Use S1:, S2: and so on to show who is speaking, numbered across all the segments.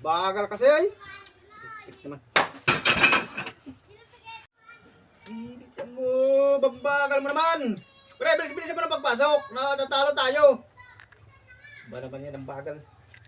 S1: Bagal kasi ay. Tik naman. Bilisan mo, babagal mo naman. Pre, bilisan mo na pagpasok. Natatalo tayo. Ba naman yan ang bagal.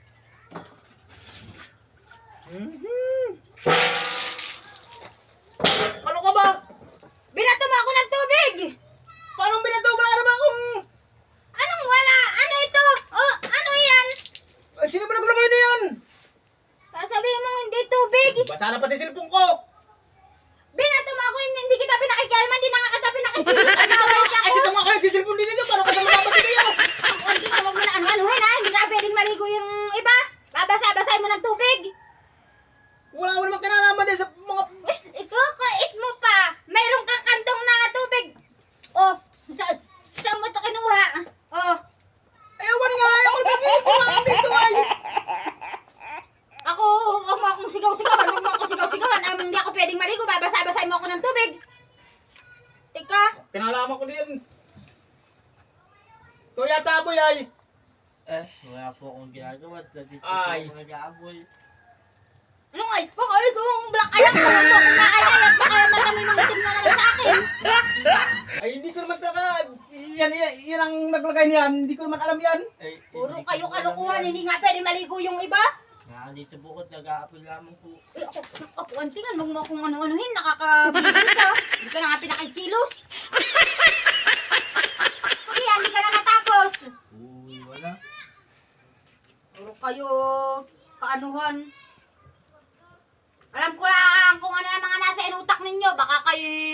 S1: Ano ka ba?
S2: Binato mo ako ng tubig!
S1: Paano binato? Wala naman akong...
S2: Anong wala? Ano ito? Oh, ano yan?
S1: Sino ba naglagay na yan?
S2: Sasabihin mo hindi tubig.
S1: Basa na pati cellphone ko.
S2: Binato mo ako, hindi kita pinakikialaman, hindi na nga kita pinakikialaman. Nagawal ka
S1: Ay,
S2: ko.
S1: dito nga kayo, di cellphone din ito. Paano ka naman mapatid kayo?
S2: Ang tingnan, huwag mo na ano-anuhin ha. Hindi ka pwedeng maligo yung iba. Babasa-basahin mo ng tubig.
S1: Wala mo naman kinalaman din sa mga...
S2: Ikukait mo pa. Mayroon kang kantong na tubig. Oh, saan mo ito kinuha? Oh,
S1: Ewan nga, ewan nagiging lang dito ay.
S2: ako, huwag mo akong sigaw-sigawan. Huwag mo akong sigaw-sigawan. Hindi ako pwedeng maligo. Babasa-basahin mo ako ng tubig. Tika.
S1: Kinalaman ko din. Ito yata boy ay.
S3: Wala po akong ginagawa. Dito po
S1: Ay.
S3: ako nag-aaboy.
S2: Anong ay? Baka ay kung black alam ko lang kung maalay at baka madami ng itim na naman sa akin.
S1: Ay hindi ko naman taka. Yan ang naglagay niyan. Hindi ko naman alam yan.
S3: Ay,
S2: Puro
S3: hindi ko
S2: kayo
S3: po alam
S2: kalokohan,
S3: yan.
S2: hindi nga pwede maligo yung iba.
S3: Dito po ako, nag-aapoy lamang po.
S2: Eh, ako, antingan, huwag mo akong ano-anuhin, nakakabigil ka. Hindi ka na nga pinakikilos. Kuya, hindi ka na natapos.
S3: Uy, wala.
S2: Puro kayo kaanuhan. Alam ko lang kung ano yung mga nasa inutak ninyo. Baka kayo